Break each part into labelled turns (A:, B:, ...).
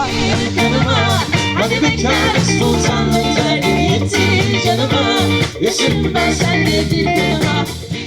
A: hayır kanıma. Hadi bekar sultanlık derdin yetti canıma. Yaşım ben sende bir yanıma.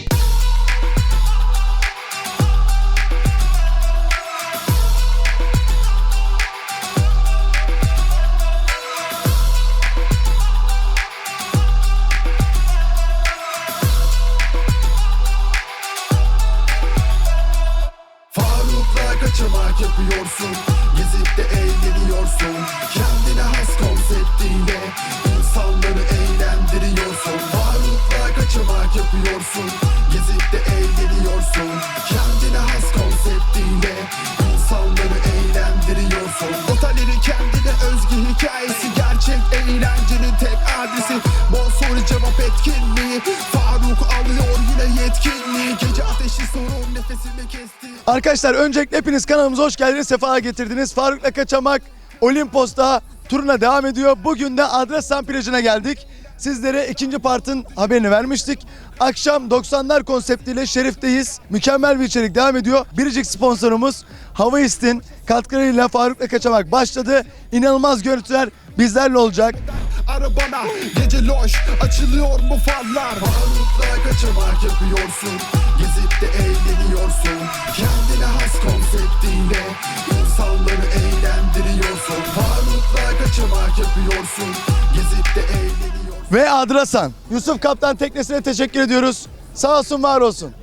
B: Kaçamak yapıyorsun, gezip de eğleniyorsun. Kendine has konseptiyle insanları eğlendiriyorsun. Faruk'la kaçamak yapıyorsun, gezip de eğleniyorsun. Kendine has konseptiyle insanları eğlendiriyorsun. Otellerin kendine özgü hikayesi, gerçek eğlencenin tek adresi. Bol soru cevap etkinliği, Faruk alıyor yine yetkinliği. Gece ateşi sorun nefesimi kesti.
C: Arkadaşlar öncelikle hepiniz kanalımıza hoş geldiniz, sefa getirdiniz. Faruk'la Kaçamak Olimpos'ta turuna devam ediyor. Bugün de Adrasan plajına geldik. Sizlere ikinci partın haberini vermiştik. Akşam 90'lar konseptiyle Şerif'teyiz. Mükemmel bir içerik devam ediyor. Biricik sponsorumuz Havaist'in katkılarıyla Faruk'la Kaçamak başladı. İnanılmaz görüntüler bizlerle olacak.
B: Arabana gece loş açılıyor mu farlar? Faruk'la kaçamak yapıyorsun, gezip de eğleniyorsun. Kendine has konseptiyle insanları eğlendiriyorsun. Faruk'la kaçamak yapıyorsun, gezip de eğleniyorsun.
C: Ve Adrasan. Yusuf Kaptan teknesine teşekkür ediyoruz. Sağ olsun, var olsun.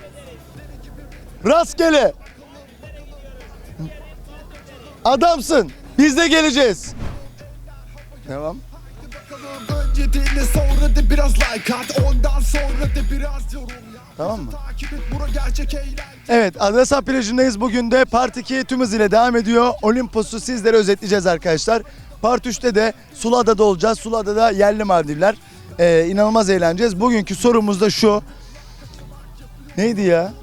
C: Rastgele. Adamsın. Biz de geleceğiz. Devam.
B: Önce dinle sonra da biraz like at, ondan sonra da biraz yorum yap.
C: Tamam mı?
B: Takip et bura gerçek eğlence.
C: Evet, Adrasan plajındayız. Bugün de Part 2 tüm hızıyla devam ediyor. Olimpos'u sizlere özetleyeceğiz arkadaşlar. Part 3'te de Suluada'da olacağız. Suluada'da yerli Maldivler. İnanılmaz eğleneceğiz. Bugünkü sorumuz da şu. Neydi ya?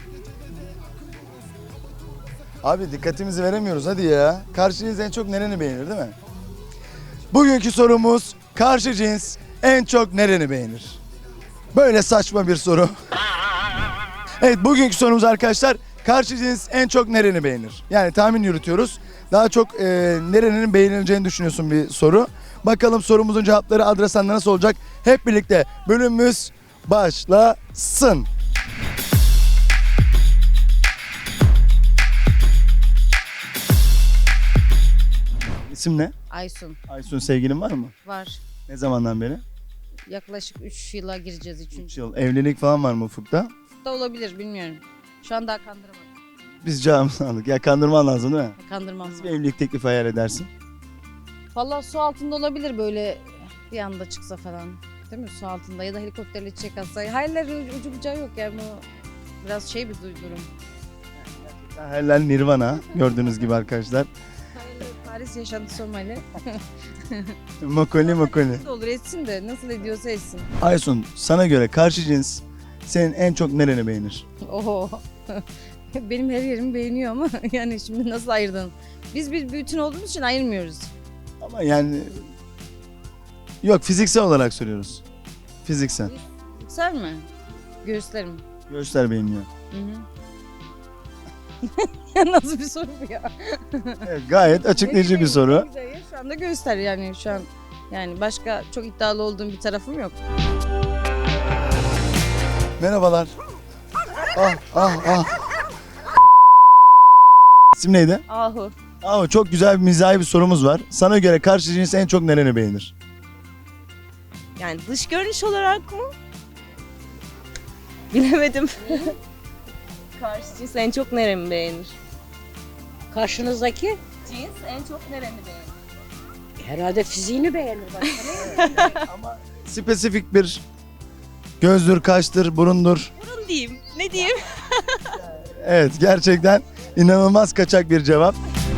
C: Abi dikkatimizi veremiyoruz, hadi ya. Karşı cins en çok nereni beğenir, değil mi? Bugünkü sorumuz, karşı cins en çok nereni beğenir? Böyle saçma bir soru. Evet, bugünkü sorumuz arkadaşlar, karşı cins en çok nereni beğenir? Yani tahmin yürütüyoruz. Daha çok nerenin beğenileceğini düşünüyorsun bir soru. Bakalım sorumuzun cevapları Adrasan'da nasıl olacak? Hep birlikte bölümümüz başlasın. İsim ne?
D: Aysun
C: Aysun, sevgilin var mı?
D: var.
C: Ne zamandan beri?
D: Yaklaşık 3 yıla gireceğiz.
C: 3
D: 3.
C: yıl. Evlilik falan var mı ufukta?
D: da olabilir bilmiyorum. Şu an daha kandıramadım.
C: Biz cevabımızı aldık. Ya kandırman lazım değil mi?
D: Kandırmam.
C: Nasıl bir evlilik teklifi hayal edersin?
D: Valla su altında olabilir böyle bir anda çıksa falan. Değil mi? Su altında ya da helikopterle çiçek atsa. Hayallerin ucu bucağı yok yani bu biraz şey bir durum.
C: Hayaller Nirvana gördüğünüz gibi arkadaşlar.
D: Hayaller Paris yaşantı Somali.
C: Mokoli.
D: Ne olur etsin de nasıl ediyorsa etsin.
C: Aysun, sana göre karşı cins senin en çok nereni beğenir?
D: Oho. Benim her yerimi beğeniyor ama yani şimdi nasıl ayırdın? Biz bir bütün olduğumuz için ayırmıyoruz.
C: Ama yani yok, fiziksel olarak soruyoruz. Fiziksel.
D: Yüksel mi? Göğüslerim.
C: Göğüsler beğeniyor.
D: Hı hı. Ya nasıl bir soru bu ya?
C: Evet, gayet açıklayıcı bir
D: Ne
C: soru.
D: güzel ya, şu anda göster yani şu an. Yani başka çok iddialı olduğum bir tarafım yok.
C: Merhabalar. Ah. İsim neydi?
D: Ahu.
C: Çok güzel bir mizahi bir sorumuz var. Sana göre karşı cins en çok nereni beğenir?
E: Yani dış görünüş olarak mı? Bilemedim. Karşı cins en çok neremi beğenir?
F: Karşınızdaki
E: Cins en çok neremi beğenir?
F: herhalde fiziğini beğenir başka.
C: Ama spesifik bir gözdür, kaştır, burundur.
E: Burun diyeyim. Ne diyeyim?
C: Evet, gerçekten inanılmaz kaçak bir cevap.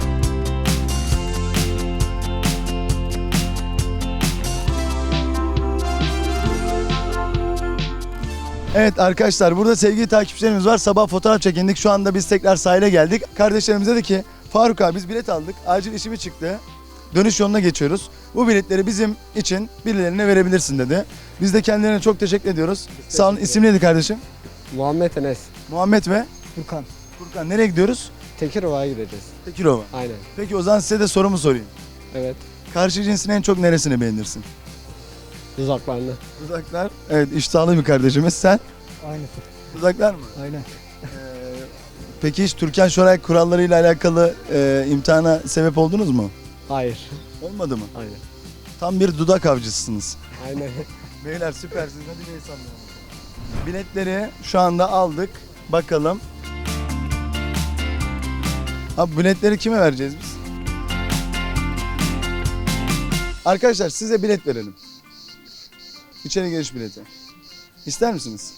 C: Evet arkadaşlar, burada sevgili takipçilerimiz var. Sabah fotoğraf çekindik. Şu anda biz tekrar sahile geldik. Kardeşlerimiz dedi ki Faruk abi biz bilet aldık. Acil işimi çıktı. Dönüş yoluna geçiyoruz. Bu biletleri bizim için birilerine verebilirsin dedi. Biz de kendilerine çok teşekkür ediyoruz. Sağ olun. İsim neydi kardeşim?
G: Muhammed Enes.
C: Muhammed ve
G: Furkan.
C: Furkan. Nereye gidiyoruz?
G: Tekirova'ya gideceğiz.
C: Tekirova.
G: Aynen.
C: Peki o zaman size de sorumu sorayım.
G: Evet.
C: Karşı cinsin en çok neresini beğenirsin?
G: Dudaklarını.
C: Dudaklar. Evet, iştahlı bir kardeşimiz. Sen?
G: Aynı.
C: Dudaklar mı?
G: Aynen.
C: Peki hiç Türkan Şoray kurallarıyla alakalı imtihana sebep oldunuz mu?
G: Hayır.
C: Olmadı mı?
G: Aynen.
C: Tam bir dudak avcısınız.
G: Aynen.
C: Beyler süpersiniz. Hadi bir sallayalım. Biletleri şu anda aldık. Bakalım. Abi biletleri kime vereceğiz biz? Arkadaşlar size bilet verelim. İçeri giriş bileti. İster misiniz?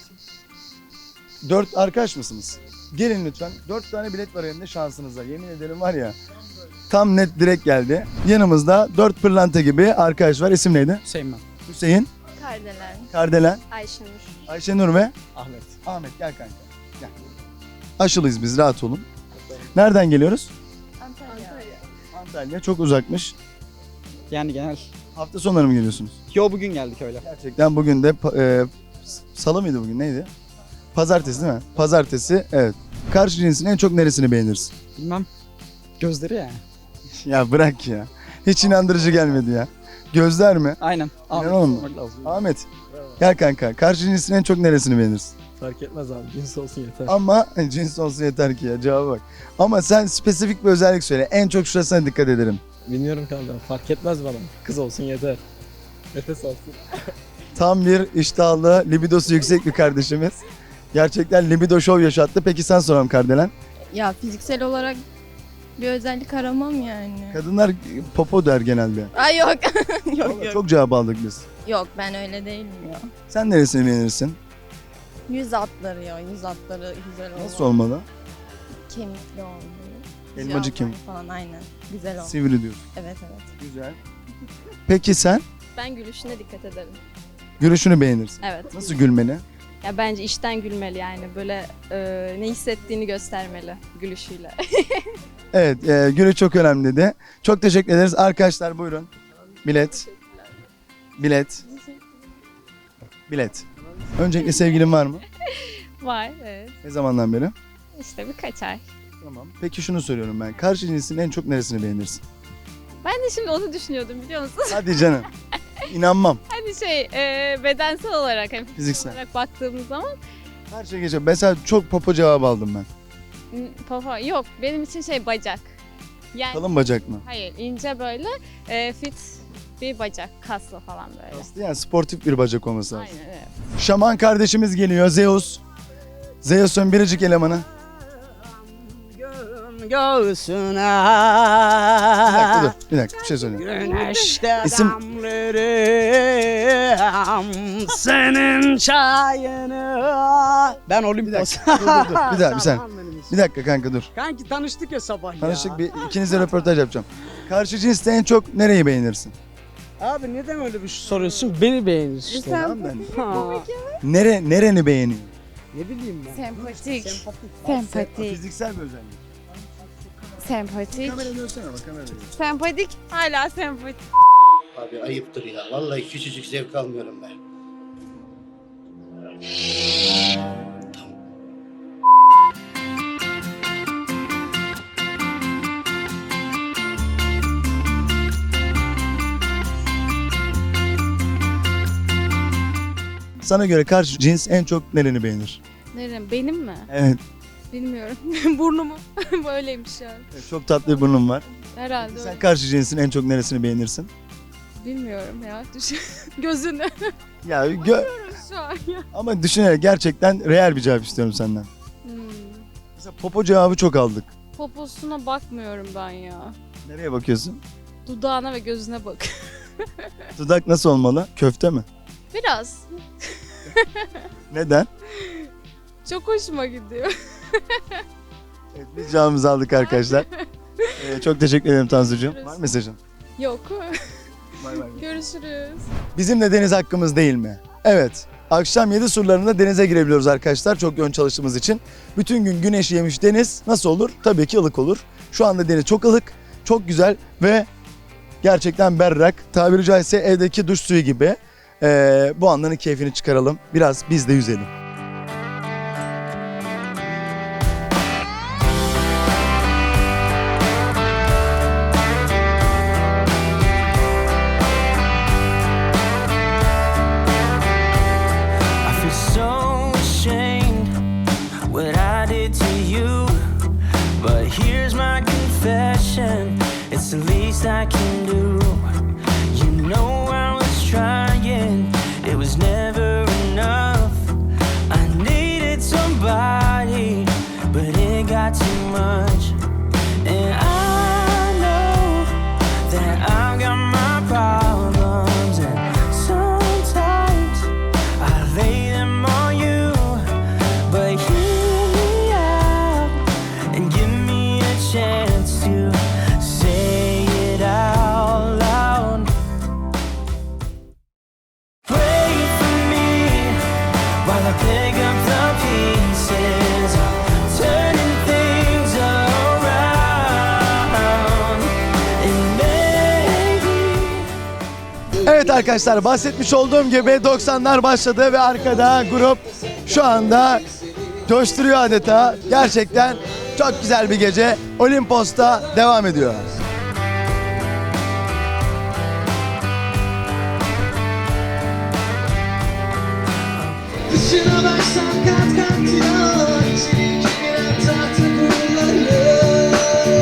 C: 4 arkadaş mısınız? Gelin lütfen. 4 tane bilet var elimde şansınıza. Yemin ederim var ya. Tam net direkt geldi. Yanımızda 4 pırlanta gibi arkadaş var. İsim neydi?
H: Hüseyin ben.
C: Hüseyin,
E: Kardelen,
C: Kardelen,
E: Ayşenur.
C: Ayşenur ve
H: Ahmet.
C: Ahmet. Gel kanka. Gel. Aşılıyız biz, rahat olun. Nereden geliyoruz?
E: Antalya.
C: Antalya. Çok uzakmış.
H: Yani genel.
C: Hafta sonları mı geliyorsunuz?
H: Yo bugün geldik öyle.
C: Gerçekten bugün de salı mıydı bugün, neydi? Pazartesi değil mi? Pazartesi, evet. Karşı cinsin en çok neresini beğenirsin?
H: Bilmem. Gözleri ya.
C: Ya bırak ya. Hiç inandırıcı gelmedi ya. Gözler mi?
H: Aynen.
C: İnanamam. Ahmet. Gel kanka. Karşı cinsin en çok neresini beğenirsin?
G: Fark etmez abi. Cins olsun yeter.
C: Ama cins olsun yeter ki ya, cevaba bak. Ama sen spesifik bir özellik söyle. En çok şurasına dikkat ederim.
G: Bilmiyorum kanka. Fark etmez bana. Kız olsun yeter. Nefes alsın.
C: Tam bir iştahlı, libidosu yüksek bir kardeşimiz. Gerçekten libido show yaşattı. Peki sen soralım Kardelen.
E: Ya fiziksel olarak bir özellik aramam yani.
C: Kadınlar popo der genelde.
E: Ay yok. yok
C: Vallahi
E: yok.
C: çok cevap aldık biz.
E: Yok ben öyle değilim ya.
C: Sen neresini beğenirsin?
E: Yüz hatları ya. Yüz hatları güzel olmalı.
C: Nasıl olmalı?
E: Kemikli olmalı.
C: Elmacık
E: Yüz
C: kemik.
E: hatları falan aynen. Güzel olmalı.
C: Sivri diyorsun.
E: Evet evet.
C: Güzel. Peki sen?
I: Ben gülüşüne dikkat ederim.
C: Gülüşünü beğenirsin.
I: Evet.
C: Nasıl gülmeli?
I: Ya bence içten gülmeli yani böyle ne hissettiğini göstermeli gülüşüyle.
C: Evet, gülü çok önemli dedi. Çok teşekkür ederiz. Arkadaşlar buyurun. Bilet. Bilet. Bilet. Öncelikle sevgilin var mı?
I: Var evet.
C: Ne zamandan beri?
I: İşte birkaç ay.
C: Tamam. Peki şunu soruyorum ben. Karşı cinsin en çok neresini beğenirsin?
I: Ben de şimdi onu düşünüyordum biliyor musun?
C: Hadi canım. İnanmam.
I: Hani bedensel olarak hem
C: Fiziksel.
I: olarak baktığımız zaman
C: Her şey geçer. Mesela çok popo cevabı aldım ben.
I: papa yok benim için bacak. Yani
C: Kalın bacak mı?
I: hayır ince böyle fit bir bacak kaslı falan böyle.
C: Aslında yani sportif bir bacak olması lazım.
I: Aynen evet.
C: Şaman kardeşimiz geliyor. Zeus. Zeus'un biricik elemanı.
F: Göğsüne
C: Bir dakika dur. Bir dakika bir şey söyleyeyim.
F: güneşte
C: İsim-
F: damlarım senin çayını. Ben Olimpos.
C: Dur. Bir dakika bir saniye. Bir dakika kanka dur.
F: Kanki tanıştık ya sabah ya.
C: Tanıştık, bir ikinizle röportaj yapacağım. Karşı cinste en çok nereyi beğenirsin?
F: Abi neden öyle bir şey soruyorsun? Beni beğenir işte.
C: Tamam ben.
F: Ha,
C: Nereni beğeniyor?
F: ne bileyim ben.
E: Sempatik.
C: Fiziksel bir özellik.
E: Sempatik.
C: Kamera dönsene bak, kamera dön.
E: Sempatik. Hala sempatik.
J: Abi ayıptır ya. Vallahi küçücük zevk almıyorum ben.
C: Sana göre karşı cins en çok nereni beğenir?
I: Nerem benim mi?
C: Evet.
I: Bilmiyorum. Burnumu böyleymiş yani.
C: Çok tatlı bir burnun var.
I: Herhalde
C: Sen
I: öyle.
C: karşı cinsin en çok neresini beğenirsin?
I: Bilmiyorum ya. Düşün. Gözünü.
C: Ya
I: Şu an ya.
C: ama düşünerek gerçekten real bir cevap istiyorum senden. Mesela popo cevabı çok aldık.
I: Poposuna bakmıyorum ben ya.
C: Nereye bakıyorsun?
I: Dudağına ve gözüne bak.
C: Dudak nasıl olmalı? Köfte mi?
I: Biraz.
C: Neden?
I: Çok hoşuma gidiyor.
C: Evet, biz cevabımızı aldık arkadaşlar. Çok teşekkür ederim Tansucuğum. Var mı mesajın?
I: Yok.
C: Bay bay.
I: Görüşürüz.
C: Bizim de deniz hakkımız değil mi? Evet. Akşam 7 surlarında denize girebiliyoruz arkadaşlar çok yoğun çalıştığımız için. Bütün gün güneş yemiş deniz nasıl olur? Tabii ki ılık olur. Şu anda deniz çok ılık, çok güzel ve gerçekten berrak. Tabiri caizse evdeki duş suyu gibi. Bu anların keyfini çıkaralım. Biraz biz de yüzelim.
A: least I can do. You know I was trying, it was never enough. I needed somebody, but it got too much. And I know that I've got my problems, and sometimes I lay them on you. But hear me out and give me a chance to say it out loud. Pray for me while I pick up the pieces, turning things around. And maybe
C: Evet arkadaşlar, bahsetmiş olduğum gibi 90'lar başladı ve arkada grup şu anda coşturuyor adeta. Gerçekten çok güzel bir gece Olimpos'ta devam ediyor.
A: dışına baksan kat kat yağ, içine giren tahta kuruları.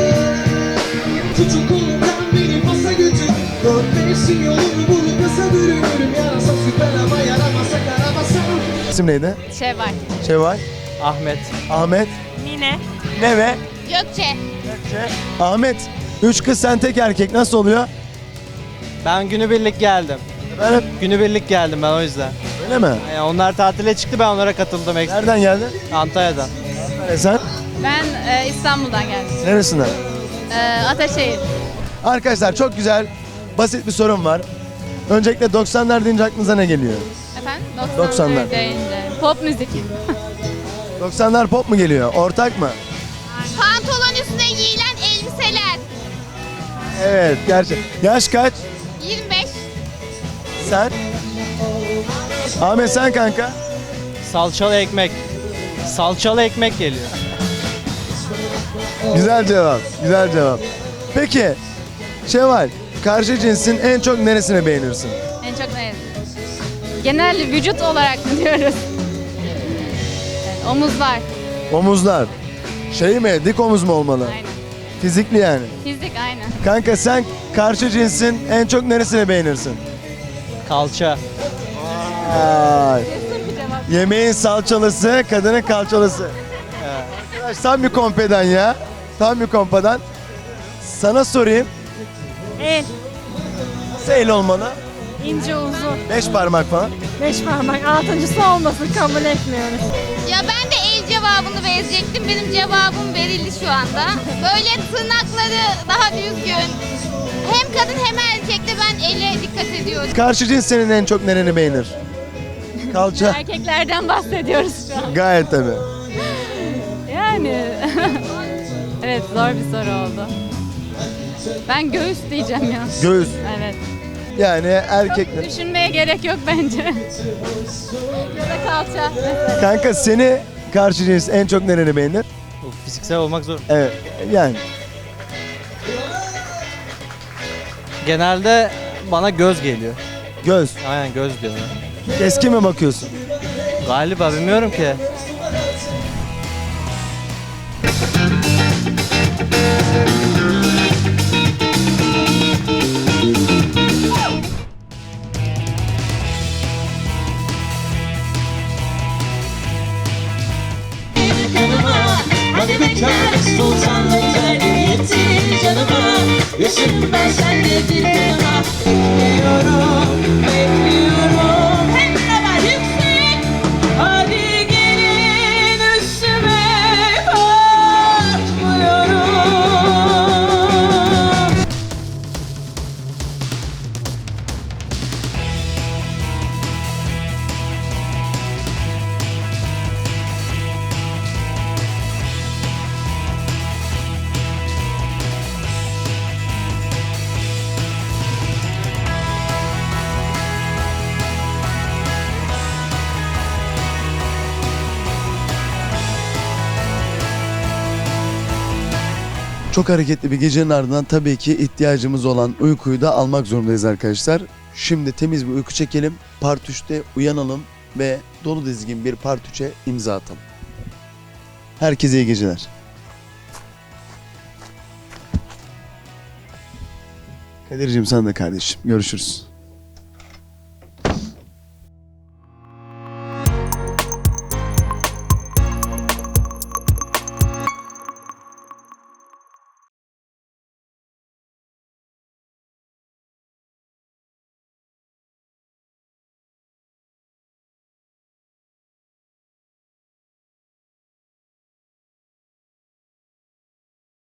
A: Tutun kolumdan beni pasa götür, dört mevsim yolunu bulup pasa bürünürüm. Yarasa süper ama yaramasa karabasan.
C: İsim neydi?
I: Şevval.
C: Şevval,
G: Ahmet.
C: Ahmet,
I: Mine.
C: ne ve
I: Gökçe.
C: Ahmet. 3 kız sen tek erkek, nasıl oluyor?
G: Ben günübirlik geldim.
C: Ben hep
G: Günübirlik geldim ben o yüzden.
C: öyle mi?
G: Yani onlar tatile çıktı, ben onlara katıldım ekstra.
C: Nereden geldin?
G: Antalya'dan.
C: Sen
I: Ben İstanbul'dan geldim.
C: neresinden?
I: Ataşehir.
C: Arkadaşlar çok güzel, basit bir sorum var. Öncelikle 90'lar deyince aklınıza ne geliyor?
I: Efendim?
C: 90'lar.
I: deyince. Pop müzik.
C: 90'lar pop mu geliyor? Ortak mı?
I: Pantolon üstüne giyilen elbiseler.
C: Evet, gerçek. Yaş kaç?
I: 25.
C: Sen? Ahmet sen kanka?
G: Salçalı ekmek. Salçalı ekmek geliyor.
C: Güzel cevap, güzel cevap. Peki, Şevval, karşı cinsin en çok neresini beğenirsin?
I: En çok ne? Genel vücut olarak mı diyoruz? Evet, omuzlar.
C: Omuzlar. Şey mi, dik omuz mu olmalı?
I: Aynen.
C: Fizikli yani.
I: Fizik aynen.
C: Kanka sen karşı cinsin en çok neresini beğenirsin?
G: Kalça.
C: Ay. Yemeğin salçalısı, kadının kalçalısı. Arkadaş tam bir kompedan ya. Tam bir kompedan. Sana sorayım.
I: El.
C: Nasıl el olmalı?
I: İnce uzun.
C: 5 parmak falan.
I: 5 parmak. Altıncısı olmasın kabul etmiyoruz. Ya ben de el cevabını verecektim. Benim cevabım verildi şu anda. Böyle tırnakları daha düzgün. Hem kadın hem erkekte ben ele dikkat ediyorum.
C: Karşı cins senin en çok nereni beğenir? Kalça.
I: Erkeklerden bahsediyoruz şu an.
C: Gayet tabii.
I: Yani evet zor bir soru oldu. Ben göğüs diyeceğim ya.
C: Göğüs.
I: Evet.
C: Yani erkekler.
I: Düşünmeye gerek yok bence. Ya da kalça.
C: Kanka seni karşı cins en çok nereni beğenir?
G: Fiziksel olmak zor.
C: Evet yani.
G: Genelde bana göz geliyor.
C: Göz.
G: Aynen göz diyorlar.
C: Keskin mi bakıyorsun?
G: Galiba bilmiyorum ki.
A: Hadi bekar sultanlık terbiyetin canıma. Yaşım ben sende bir yanıma. Bekliyorum, bekliyorum. Hep beraber yüksek. Hadi gelin üstüme korkmuyorum.
C: Çok hareketli bir gecenin ardından tabii ki ihtiyacımız olan uykuyu da almak zorundayız arkadaşlar. Şimdi temiz bir uyku çekelim. Part 3'te uyanalım ve dolu dizgin bir Part 3'e imza atalım. Herkese iyi geceler. Kadir'cim sana da kardeşim. Görüşürüz.